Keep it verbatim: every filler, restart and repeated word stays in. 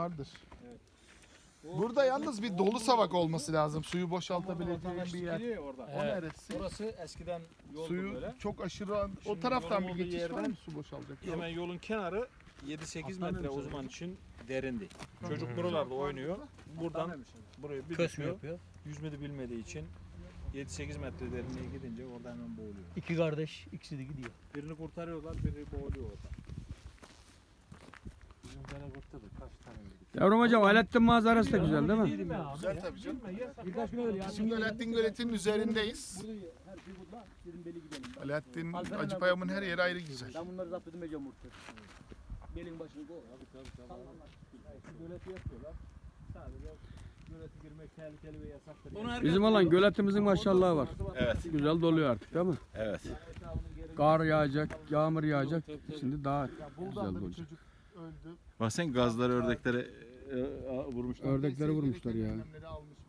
vardır. Evet. Burada yalnız bir dolu savak olması lazım. Suyu boşaltabileceğin bir yer. Geliyor orada. O neresi? Orası eskiden yoldu Suyu böyle. çok aşırı o Şimdi taraftan yolun bir olduğu geçiş var yerden mı su boşalacak? Hemen yolun kenarı yedi sekiz Aslan metre o demiş zaman herhalde. için derindi. Çocuk buralarda oynuyor. Buradan buraya bir Kös mü düşüyor. yapıyor? Yüzmedi bilmediği için yedi sekiz metre derinliğe gidince orada hemen boğuluyor. İki kardeş, ikisi de gidiyor. Birini kurtarıyorlar, biri boğuluyor orada. Bizim gene kurtardık kaç tane yedik. Yavrum hocam Alaaddin manzarası da güzel değil mi? Güzel tabii canım. Birkaç gün öyle ya. Şimdi Alaaddin Gölet'in üzerindeyiz. Burada her şey burada. Dedim beli gidelim. Alaaddin Acıpayam'ın her yeri ayrı güzel. Ben bunları zapt edin mecbur. Belin başını koy. Göleti yapıyorlar. Sadece gölete girmek tehlikeli ve yasaktır. Bizim olan göletimizin maşallahı var. Evet. Güzel doluyor artık değil mi? Evet. Kar yağacak, yağmur yağacak. Şimdi daha güzel Buldan'da bir olacak. çocuk öldü. Bak sen gazları ördeklere e, e, vurmuşlar. Ördekleri vurmuşlar ya. Önlemleri almış